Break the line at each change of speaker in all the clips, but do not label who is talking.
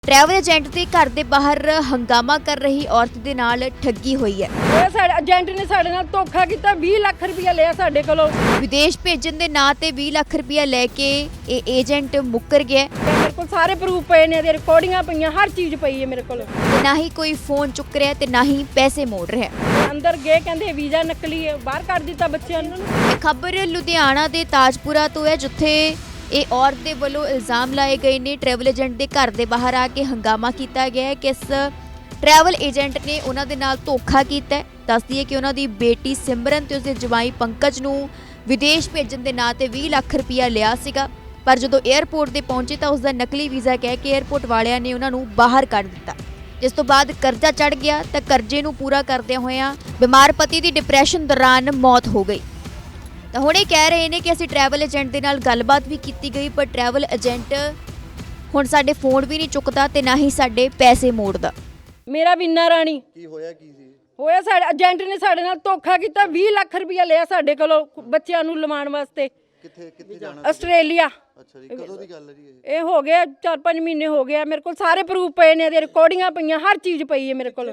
Travel agent ਦੇ ਘਰ ਦੇ ਬਾਹਰ ਹੰਗਾਮਾ ਕਰ ਰਹੀ ਔਰਤ ਦੇ ਨਾਲ ਠੱਗੀ ਹੋਈ ਹੈ।
ਇਹ ਸਾਡੇ ਏਜੰਟ ਨੇ ਸਾਡੇ ਨਾਲ ਧੋਖਾ ਕੀਤਾ 20 ਲੱਖ ਰੁਪਇਆ ਲਿਆ ਸਾਡੇ ਕੋਲੋਂ।
ਵਿਦੇਸ਼ ਭੇਜਣ ਦੇ ਨਾਂ ਤੇ 20 ਲੱਖ ਰੁਪਇਆ ਲੈ ਕੇ ਇਹ ਏਜੰਟ ਮੁੱਕਰ ਗਿਆ।
ਮੇਰੇ ਕੋਲ ਸਾਰੇ ਪ੍ਰੂਫ ਪਏ ਨੇ, ਇਹਦੇ ਰਿਕਾਰਡਿੰਗਾਂ ਪਈਆਂ, ਹਰ ਚੀਜ਼ ਪਈ ਹੈ ਮੇਰੇ ਕੋਲ।
ਤੇ ਨਾ ਹੀ ਕੋਈ ਫੋਨ ਚੁੱਕ ਰਿਹਾ ਤੇ ਨਾ ਹੀ ਪੈਸੇ ਮੋੜ ਰਿਹਾ।
ਅੰਦਰ ਗਏ ਕਹਿੰਦੇ ਵੀਜ਼ਾ ਨਕਲੀ ਹੈ, ਬਾਹਰ ਕੱਢ ਦਿੱਤਾ ਬੱਚਿਆਂ ਨੂੰ।
ਇਹ ਖਬਰ ਲੁਧਿਆਣਾ ਦੇ ਤਾਜਪੁਰਾ ਤੋਂ ਹੈ, ਜਿੱਥੇ ਇਹ ਔਰਤ ਦੇ ਵੱਲੋਂ ਇਲਜ਼ਾਮ ਲਾਏ ਗਏ ਨੇ ਟਰੈਵਲ ਏਜੰਟ ਦੇ ਘਰ ਦੇ ਬਾਹਰ ਆ ਕੇ ਹੰਗਾਮਾ ਕੀਤਾ ਗਿਆ ਹੈ ਕਿ ਇਸ ਟਰੈਵਲ ਏਜੰਟ ਨੇ ਉਹਨਾਂ ਦੇ ਨਾਲ ਧੋਖਾ ਕੀਤਾ ਹੈ। ਦੱਸਦੀ ਹੈ ਕਿ ਉਹਨਾਂ ਦੀ ਬੇਟੀ ਸਿਮਰਨ ਤੇ ਉਸਦੇ ਜਵਾਈ ਪੰਕਜ ਨੂੰ ਵਿਦੇਸ਼ ਭੇਜਣ ਦੇ ਨਾਂ ਤੇ 20 ਲੱਖ ਰੁਪਇਆ ਲਿਆ ਸੀਗਾ, ਪਰ ਜਦੋਂ 에ਅਰਪੋਰਟ ਤੇ ਪਹੁੰਚੇ ਤਾਂ ਉਸਦਾ ਨਕਲੀ ਵੀਜ਼ਾ ਕਹਿ ਕੇ 에ਅਰਪੋਰਟ ਵਾਲਿਆਂ ਨੇ ਉਹਨਾਂ ਨੂੰ ਬਾਹਰ ਕੱਢ ਦਿੱਤਾ। ਜਿਸ ਤੋਂ ਬਾਅਦ ਕਰਜ਼ਾ ਚੜ ਗਿਆ ਤਾਂ ਕਰਜ਼ੇ ਨੂੰ ਪੂਰਾ ਕਰਦਿਆਂ ਹੋਇਆਂ ਬਿਮਾਰ ਪਤੀ ਦੀ ਡਿਪਰੈਸ਼ਨ ਦੌਰਾਨ ਮੌਤ ਹੋ ਗਈ। ਤਾਂ ਹੁਣ ਇਹ ਕਹਿ ਰਹੇ ਨੇ ਕਿ ਅਸੀਂ ਟਰੈਵਲ ਏਜੰਟ ਦੇ ਨਾਲ ਗੱਲਬਾਤ ਵੀ ਕੀਤੀ ਗਈ, ਪਰ ਟਰੈਵਲ ਏਜੰਟ ਹੁਣ ਸਾਡੇ ਫੋਨ ਵੀ ਨਹੀਂ ਚੁੱਕਦਾ ਤੇ ਨਾ ਹੀ ਸਾਡੇ ਪੈਸੇ ਮੋੜਦਾ।
ਮੇਰਾ ਵੀਨਾ ਰਾਣੀ
ਕੀ ਹੋਇਆ ਕੀ ਸੀ?
ਹੋਇਆ ਸਾਡੇ ਏਜੰਟ ਨੇ ਸਾਡੇ ਨਾਲ ਧੋਖਾ ਕੀਤਾ 20 ਲੱਖ ਰੁਪਇਆ ਲਿਆ ਸਾਡੇ ਕੋਲੋਂ ਬੱਚਿਆਂ ਨੂੰ ਲਵਾਉਣ ਵਾਸਤੇ।
ਕਿੱਥੇ ਜਾਣਾ?
ਆਸਟ੍ਰੇਲੀਆ।
ਅੱਛਾ ਜੀ, ਕਦੋਂ ਦੀ ਗੱਲ ਹੈ ਜੀ
ਇਹ ਹੋ ਗਿਆ 4-5 ਮਹੀਨੇ ਹੋ ਗਏ ਆ। ਮੇਰੇ ਕੋਲ ਸਾਰੇ ਪ੍ਰੂਫ ਪਏ ਨੇ, ਇਹਦੇ ਰਿਕਾਰਡਿੰਗਾਂ ਪਈਆਂ, ਹਰ ਚੀਜ਼ ਪਈ ਹੈ ਮੇਰੇ ਕੋਲ।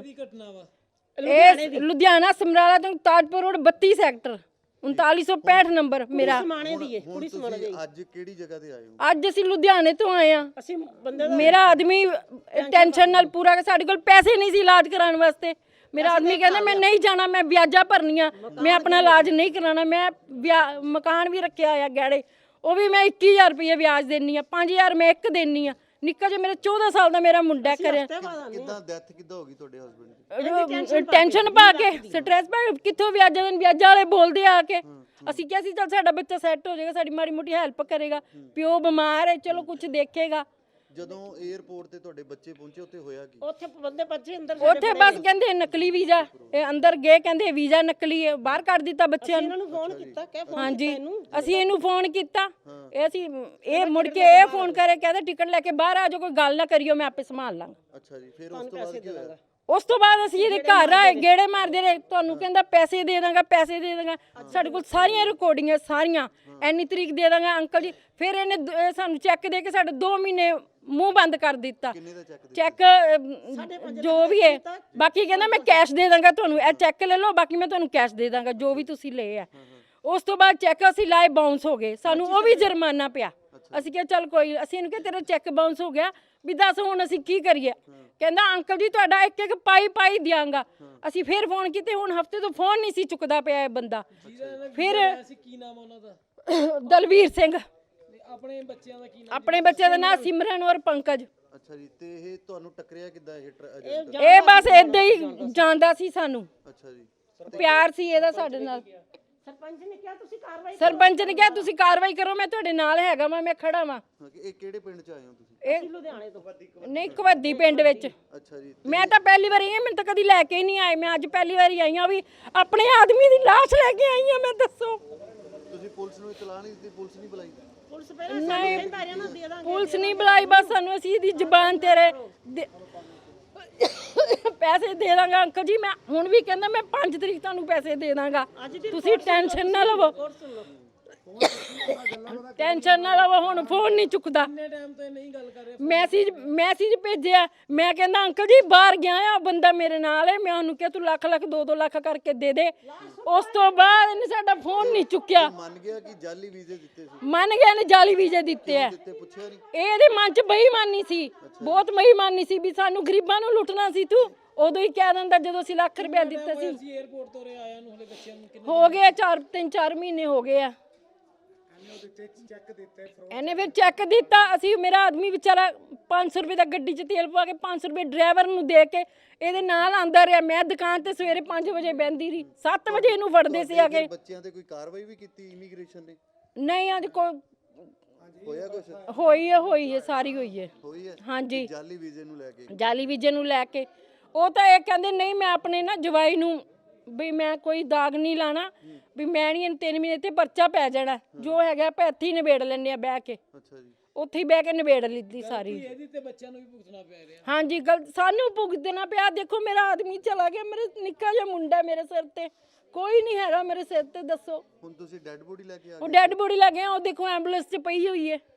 ਇਹ ਲੁਧਿਆਣਾ ਸਮਰਾਲਾ ਤੋਂ ਤਾਜਪੁਰ ਰੋਡ 32 ਸੈਕਟਰ 3965 ਨੰਬਰ ਮੇਰਾ।
ਕੁੜੀ ਸਮਾਣੇ ਦੀ। ਅੱਜ ਕਿਹੜੀ ਜਗ੍ਹਾ ਤੇ ਆਏ ਹੋ?
ਅੱਜ ਅਸੀਂ ਲੁਧਿਆਣੇ ਤੋਂ ਆਏ ਆ। ਮੇਰਾ ਆਦਮੀ ਟੈਨਸ਼ਨ ਨਾਲ ਪੂਰਾ, ਸਾਡੇ ਕੋਲ ਪੈਸੇ ਨਹੀਂ ਸੀ ਇਲਾਜ ਕਰਾਉਣ ਵਾਸਤੇ। ਮੇਰਾ ਆਦਮੀ ਕਹਿੰਦਾ ਮੈਂ ਨਹੀਂ ਜਾਣਾ, ਮੈਂ ਵਿਆਜਾਂ ਭਰਨੀਆਂ, ਮੈਂ ਆਪਣਾ ਇਲਾਜ ਨਹੀਂ ਕਰਾਉਣਾ। ਮੈਂ ਮਕਾਨ ਵੀ ਰੱਖਿਆ ਹੋਇਆ ਗਹਿਣੇ, ਉਹ ਵੀ ਮੈਂ 21,000 ਰੁਪਏ ਵਿਆਜ ਦੇਣੀ ਆ, 5,000 ਮੈਂ ਇੱਕ ਦੇਣੀ ਆ। ਨਿੱਕਾ ਜਿਹਾ ਮੇਰਾ 14 ਸਾਲ ਦਾ ਮੇਰਾ ਮੁੰਡਾ ਕਰਿਆ।
ਕਿੱਦਾਂ ਡੈਥ ਕਿੱਦਾਂ ਹੋ ਗਈ ਤੁਹਾਡੇ ਹਸਬੰਡ ਦੀ?
ਟੈਨਸ਼ਨ ਪਾ ਕੇ, ਸਟ੍ਰੈਸ ਪਾ ਕੇ, ਕਿੱਥੋਂ ਵਿਆਜਾਂ ਵਾਲੇ ਬੋਲਦੇ ਆ ਕੇ। ਅਸੀਂ ਕਿਹਾ ਸੀ ਚੱਲ ਸਾਡਾ ਬੱਚਾ ਸੈੱਟ ਹੋ ਜਾਏਗਾ, ਸਾਡੀ ਮਾੜੀ ਮੋਟੀ ਹੈਲਪ ਕਰੇਗਾ, ਪਿਓ ਬਿਮਾਰ ਹੈ, ਚਲੋ ਕੁਝ ਦੇਖੇਗਾ।
ਜਦੋਂ 에ਅਰਪੋਰਟ ਤੇ ਤੁਹਾਡੇ ਬੱਚੇ ਪਹੁੰਚੇ ਉੱਥੇ ਹੋਇਆ ਕੀ?
ਉੱਥੇ ਬਸ ਕਹਿੰਦੇ ਨਕਲੀ ਵੀਜ਼ਾ, ਇਹ ਅੰਦਰ ਗਏ ਕਹਿੰਦੇ ਵੀਜ਼ਾ ਨਕਲੀ ਹੈ, ਬਾਹਰ ਕੱਢ ਦਿੱਤਾ ਬੱਚਿਆਂ ਨੂੰ। ਫੋਨ ਕੀਤਾ ਹਾਂਜੀ, ਅਸੀਂ ਇਹਨੂੰ ਫੋਨ ਕੀਤਾ। ਇਹ ਮੁੜ ਕੇ ਇਹ ਫੋਨ ਕਰੇ, ਕਹਿੰਦਾ ਟਿਕਟ ਲੈ ਕੇ ਬਾਹਰ ਆ ਜਾਓ, ਕੋਈ ਗੱਲ ਨਾ ਕਰਿਓ, ਮੈਂ ਆਪੇ ਸੰਭਾਲ ਲਾਂਗਾ।
ਅੱਛਾ ਜੀ, ਫਿਰ ਉਸ ਤੋਂ ਬਾਅਦ ਕੀ ਹੋਇਆ?
ਉਸ ਤੋਂ ਬਾਅਦ ਅਸੀਂ ਇਹਦੇ ਘਰ ਆਏ, ਗੇੜੇ ਮਾਰਦੇ ਰਹੇ, ਤੁਹਾਨੂੰ ਕਹਿੰਦਾ ਪੈਸੇ ਦੇ ਦਾਂਗਾ, ਪੈਸੇ ਦੇ ਦਾਂਗਾ। ਸਾਡੇ ਕੋਲ ਸਾਰੀਆਂ ਰਿਕਾਰਡਿੰਗਾਂ, ਸਾਰੀਆਂ ਇੰਨੀ ਤਰੀਕ ਦੇ ਦਾਂਗਾ ਅੰਕਲ ਜੀ। ਫਿਰ ਇਹਨੇ ਸਾਨੂੰ ਚੈੱਕ ਦੇ ਕੇ ਸਾਡੇ 2 ਮਹੀਨੇ ਮੂੰਹ ਬੰਦ ਕਰ ਦਿੱਤਾ।
ਕਿੰਨੇ ਦਾ
ਚੈੱਕ ਜੋ ਵੀ ਹੈ, ਬਾਕੀ ਕਹਿੰਦਾ ਮੈਂ ਕੈਸ਼ ਦੇ ਦਾਂਗਾ ਤੁਹਾਨੂੰ, ਇਹ ਚੈੱਕ ਲੈ ਲਓ, ਬਾਕੀ ਮੈਂ ਤੁਹਾਨੂੰ ਕੈਸ਼ ਦੇ ਦਾਂਗਾ ਜੋ ਵੀ ਤੁਸੀਂ ਲਏ ਆ। ਉਸ ਤੋਂ ਬਾਅਦ ਚੈੱਕ ਅਸੀਂ ਲਾਏ, ਬਾਉਂਸ ਹੋ ਗਏ, ਸਾਨੂੰ ਉਹ ਵੀ ਜੁਰਮਾਨਾ ਪਿਆ। ਅਸੀਂ ਕਿਹਾ ਚੱਲ ਕੋਈ, ਅਸੀਂ ਇਹਨੂੰ ਕਿਹਾ ਤੇਰਾ ਚੈੱਕ ਬਾਉਂਸ ਹੋ ਗਿਆ, ਵੀ ਦੱਸ ਹੁਣ ਅਸੀਂ ਕੀ ਕਰੀਏ। ਕਹਿੰਦਾ ਅੰਕਲ ਜੀ ਤੁਹਾਡਾ ਇੱਕ ਇੱਕ ਪਾਈ ਦਿਆਂਗਾ। ਅਸੀਂ ਫਿਰ ਫੋਨ ਕੀਤੇ, ਹੁਣ ਹਫਤੇ ਤੋਂ ਫੋਨ ਨਹੀਂ ਸੀ ਚੁੱਕਦਾ ਪਿਆ ਇਹ ਬੰਦਾ। ਫਿਰ
ਕੀ ਨਾਮ ਉਹਨਾਂ ਦਾ?
ਦਲਵੀਰ ਸਿੰਘ।
ਆਪਣੇ ਬੱਚਿਆਂ ਦਾ ਕੀ ਨਾਮ?
ਆਪਣੇ ਬੱਚਿਆਂ ਦਾ ਨਾਮ ਸਿਮਰਨ ਔਰ ਪੰਕਜ।
ਅੱਛਾ ਜੀ, ਤੇ ਇਹ ਤੁਹਾਨੂੰ ਟੱਕਰਿਆ ਕਿੱਦਾਂ
ਇਹ ਬਸ ਏਦਾਂ ਹੀ ਜਾਣਦਾ ਸੀ ਸਾਨੂੰ।
ਅੱਛਾ ਜੀ,
ਪਿਆਰ ਸੀ ਇਹਦਾ ਸਾਡੇ ਨਾਲ। ਸਰਪੰਚ ਨੇ ਕਿਹਾ ਤੁਸੀਂ ਕਾਰਵਾਈ ਕਰੋ, ਮੈਂ ਤੁਹਾਡੇ ਨਾਲ ਹੈਗਾ ਵਾਂ, ਮੈਂ ਖੜਾ ਵਾਂ।
ਇਹ ਕਿਹੜੇ ਪਿੰਡ ਚ ਆਏ ਹੋ ਤੁਸੀਂ?
ਇਹ ਲੁਧਿਆਣੇ ਤੋਂ ਨਹੀਂ, ਕਵੱਦੀ ਪਿੰਡ ਵਿੱਚ।
ਅੱਛਾ ਜੀ,
ਮੈਂ ਤਾਂ ਪਹਿਲੀ ਵਾਰੀ ਆਈ ਹਾਂ, ਮੈਨੂੰ ਤਾਂ ਕਦੀ ਲੈ ਕੇ ਹੀ ਨਹੀਂ ਆਏ। ਮੈਂ ਅੱਜ ਪਹਿਲੀ ਵਾਰੀ ਆਈ ਹਾਂ, ਵੀ ਆਪਣੇ ਆਦਮੀ ਦੀ ਲਾਸ਼ ਲੈ ਕੇ ਆਈ ਹਾਂ ਮੈਂ। ਦੱਸੋ
ਤੁਸੀਂ ਪੁਲਿਸ ਨੂੰ ਇਤਲਾਹ ਨਹੀਂ ਦਿੱਤੀ? ਪੁਲਿਸ ਨਹੀਂ ਬੁਲਾਈ?
ਨਹੀਂ, ਪੁਲਿਸ ਨਹੀਂ ਬੁਲਾਈ, ਬਸ ਸਾਨੂੰ ਅਸੀਂ ਇਹਦੀ ਜ਼ਬਾਨ ਤੇਰੇ ਪੈਸੇ ਦੇ ਦਾਂਗਾ ਅੰਕਲ ਜੀ। ਮੈਂ ਹੁਣ ਵੀ ਕਹਿੰਦਾ ਮੈਂ 5 ਤਰੀਕ ਤੁਹਾਨੂੰ ਪੈਸੇ ਦੇ ਦਾਂਗਾ, ਤੁਸੀਂ ਟੈਨਸ਼ਨ ਨਾ ਲਵੋ, ਟੈਨਸ਼ਨ ਨਾ ਲਵੋ। ਹੁਣ ਫੋਨ ਨਹੀਂ ਚੁੱਕਦਾ।
ਟਾਈਮ ਤੋਂ ਨਹੀਂ ਗੱਲ ਕਰ ਰਿਹਾ।
ਮੈਸੇਜ ਭੇਜਿਆ, ਮੈਂ ਕਹਿੰਦਾ ਅੰਕਲ ਜੀ ਬਾਹਰ ਗਿਆ ਆ ਬੰਦਾ ਮੇਰੇ ਨਾਲ ਹੈ, ਮੈਂ ਉਹਨੂੰ ਕਿਹਾ ਤੂੰ ਲੱਖ 2 ਲੱਖ ਕਰਕੇ ਦੇ ਦੇ। ਉਸ ਤੋਂ ਬਾਅਦ ਇਹਨੇ ਸਾਡਾ ਫੋਨ ਨਹੀਂ ਚੁੱਕਿਆ।
ਮੰਨ ਗਿਆ ਕਿ ਜਾਲੀ ਵੀਜ਼ੇ ਦਿੱਤੇ ਸੀ?
ਮੰਨ ਗਿਆ ਨੇ ਜਾਲੀ ਵੀਜ਼ੇ ਦਿੱਤੇ ਆ।
ਪੁੱਛਿਆ ਨਹੀਂ?
ਇਹਦੇ ਮਨ 'ਚ ਬੇਈਮਾਨੀ ਸੀ, ਬਹੁਤ ਬੇਈਮਾਨੀ ਸੀ, ਵੀ ਸਾਨੂੰ ਗਰੀਬਾਂ ਨੂੰ ਲੁੱਟਣਾ ਸੀ ਤੂੰ। ਉਦੋਂ ਹੀ ਕਹਿ ਦਿੰਦਾ ਜਦੋਂ ਅਸੀਂ ਲੱਖ ਰੁਪਇਆ ਦਿੱਤਾ ਸੀ।
ਅਸੀਂ 에ਅਰਪੋਰਟ ਤੋਂ ਆਇਆ ਨੂੰ ਹਲੇ ਬੱਚਿਆਂ ਨੂੰ ਕਿੰਨੇ
ਹੋ ਗਏ 3-4 ਮਹੀਨੇ ਹੋ ਗਏ ਆ। ਇਹਨੇ ਫਿਰ ਚੈੱਕ ਦਿੱਤਾ। ਅਸੀਂ, ਮੇਰਾ ਆਦਮੀ ਵਿਚਾਰਾ 500 ਰੁਪਏ ਦਾ ਗੱਡੀ 'ਚ ਤੇਲ ਪਵਾ ਕੇ 500 ਰੁਪਏ ਡਰਾਈਵਰ ਨੂੰ ਦੇ ਕੇ ਇਹਦੇ ਨਾਲ ਆਂਦਾ ਰਿਹਾ। ਮੈਂ ਦੁਕਾਨ ਤੇ ਸਵੇਰੇ 5 ਵਜੇ ਬਹਿੰਦੀ ਰਹੀ, 7 ਵਜੇ ਇਹਨੂੰ ਫੜਦੇ ਸੀ ਆ ਕੇ।
ਬੱਚਿਆਂ ਤੇ ਕੋਈ ਕਾਰਵਾਈ ਵੀ ਕੀਤੀ ਇਮੀਗ੍ਰੇਸ਼ਨ ਨੇ?
ਨਹੀਂ, ਅੱਜ ਕੋਈ
ਹੋਇਆ ਕੁਛ?
ਹੋਈ ਹੈ ਸਾਰੀ ਹੋਈ ਹੈ। ਹਾਂਜੀ,
ਜਾਲੀ ਵੀਜ਼ੇ ਨੂੰ ਲੈ ਕੇ?
ਜਾਲੀ ਵੀਜ਼ੇ ਨੂੰ ਲੈ ਕੇ ਉਹ ਤਾਂ ਇਹ ਕਹਿੰਦੇ ਨਹੀਂ, ਮੈਂ ਆਪਣੇ ਨਾ ਜਵਾਈ ਨੂੰ ਵੀ ਮੈਂ ਕੋਈ ਦਾਗ ਨਹੀਂ ਲਾਣਾ, ਵੀ ਮੈਂ ਨਹੀਂ 3 ਮਹੀਨੇ ਤੇ ਪਰਚਾ ਪੈ ਜਾਣਾ, ਜੋ ਹੈਗਾ ਆਪਾਂ ਇੱਥੇ ਹੀ ਨਿਬੇੜ ਲੈਣੇ ਆ ਬਹਿ ਕੇ।
ਅੱਛਾ ਜੀ,
ਉੱਥੇ ਹੀ ਬਹਿ ਕੇ ਨਿਬੇੜ ਲਿੱਤੀ ਸਾਰੀ।
ਇਹਦੀ ਤੇ ਬੱਚਿਆਂ ਨੂੰ ਵੀ ਭੁਗਤਣਾ ਪੈ ਰਿਹਾ।
ਹਾਂਜੀ, ਸਾਨੂੰ ਭੁਗਤਣਾ ਪਿਆ। ਦੇਖੋ ਮੇਰਾ ਆਦਮੀ ਚਲਾ ਗਿਆ, ਮੇਰੇ ਨਿੱਕਾ ਜਿਹਾ ਮੁੰਡਾ ਮੇਰੇ ਸਿਰ ਤੇ, ਕੋਈ ਨਹੀਂ ਹੈਗਾ ਮੇਰੇ ਸਿਰ ਤੇ। ਦੱਸੋ
ਹੁਣ ਤੁਸੀਂ ਡੈੱਡ ਬੋਡੀ ਲੈ ਕੇ ਆ ਗਏ?
ਉਹ ਡੈੱਡ ਬੋਡੀ ਲੈ ਕੇ ਆ, ਉਹ ਦੇਖੋ ਐਂਬੂਲੈਂਸ 'ਚ ਪਈ ਹੋਈ ਹੈ।